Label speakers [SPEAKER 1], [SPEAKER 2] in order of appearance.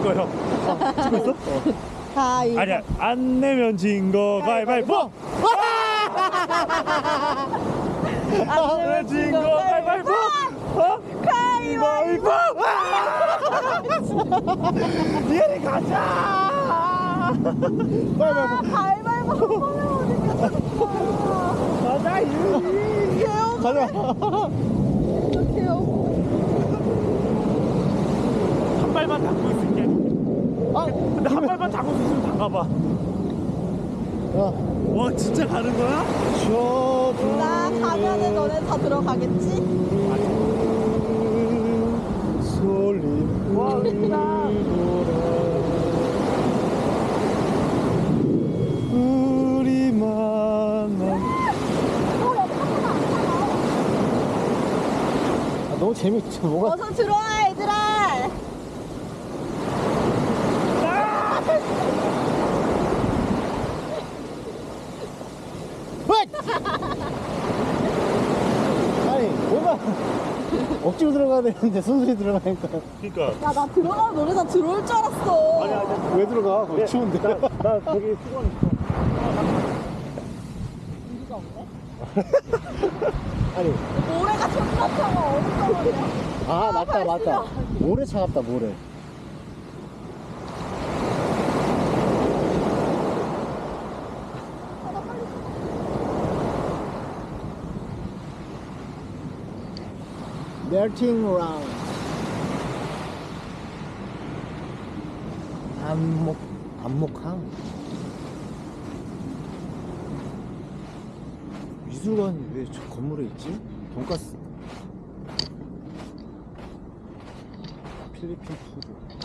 [SPEAKER 1] 찍어요. 찍고 있어?
[SPEAKER 2] 가위.
[SPEAKER 1] 아니야, 안 내면 진 거 가위바위보. 안 내면 진 거 가위바위보. 가위바위보. 얘네 가자.
[SPEAKER 2] 가위바위보
[SPEAKER 1] 가자 유리.
[SPEAKER 2] 가자.
[SPEAKER 1] 한 발만 담고 있을게. 근데 한 발만 담고 있으면 담가봐. 와 진짜 가는 거야?
[SPEAKER 2] 나 가면은 너네 다 들어가겠지?
[SPEAKER 1] 솔림. 와 은다. 우리만.
[SPEAKER 3] 너무 재밌지 뭐가.
[SPEAKER 2] 어서 들어와 얘들아.
[SPEAKER 3] 아니 뭐가 억지로 들어가야 되는데 순순히 들어가니까.
[SPEAKER 1] 그러니까.
[SPEAKER 2] 야 나 들어가면 너네 다 들어올 줄 알았어.
[SPEAKER 1] 아니 아니.
[SPEAKER 3] 왜 들어가? 거기 추운데.
[SPEAKER 1] 나 저기 수건 있어.
[SPEAKER 2] 우리가 없네?
[SPEAKER 3] 아니
[SPEAKER 2] 모래가 존나 차가 어디서
[SPEAKER 3] 아 맞다 맞다. 모래 차갑다 모래. 멜팅 라운드. 안목항. 미술관이 왜 저 건물에 있지? 돈가스. 필리핀 푸드.